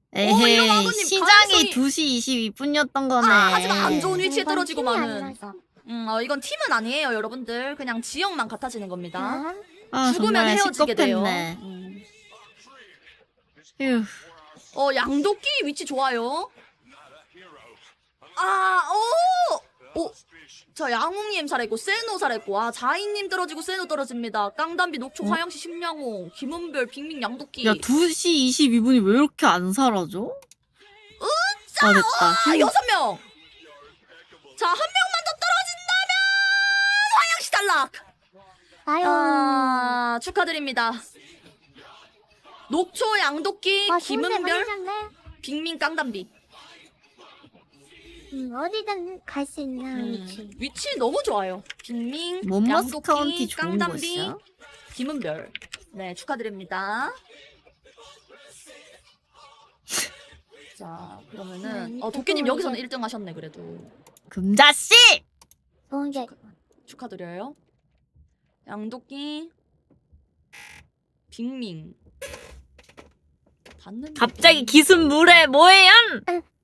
에헤이, 일어나더니 시장이 가능성이- 2시 22분이었던 거네. 하지만 안 좋은 위치에 이건 떨어지고 팀이 마는. 아니라서. 이건 팀은 아니에요, 여러분들. 그냥 지역만 같아지는 겁니다. 아, 아, 죽으면 정말 헤어지게 돼요. 시끄럽네. 휴. 양도끼 위치 좋아요. 자, 양웅님 살아있고, 세노 살아있고, 자인님 떨어지고, 세노 떨어집니다. 깡담비, 녹초, 화영시, 심양홍, 김은별, 빅민, 양도끼. 야, 2시 22분이 왜 이렇게 안 사라져? 아, 됐다. 6명! 자, 한 명만 더 떨어진다면! 화영시 탈락! 아유. 축하드립니다. 녹초, 양도끼, 아, 김은별, 손대 빅민, 깡담비. 어디든 갈 수 있는 위치. 위치 너무 좋아요. 빅민, 몬머스 카운티 양도끼, 좋은 깡담비, 곳이야? 김은별. 네, 축하드립니다. 자, 그러면은 도끼님 여기서는 1등 하셨네 그래도. 금자씨! 좋은 게 축하드려요. 양도끼, 빅민. 봤는데 갑자기 기습 물에 뭐예요?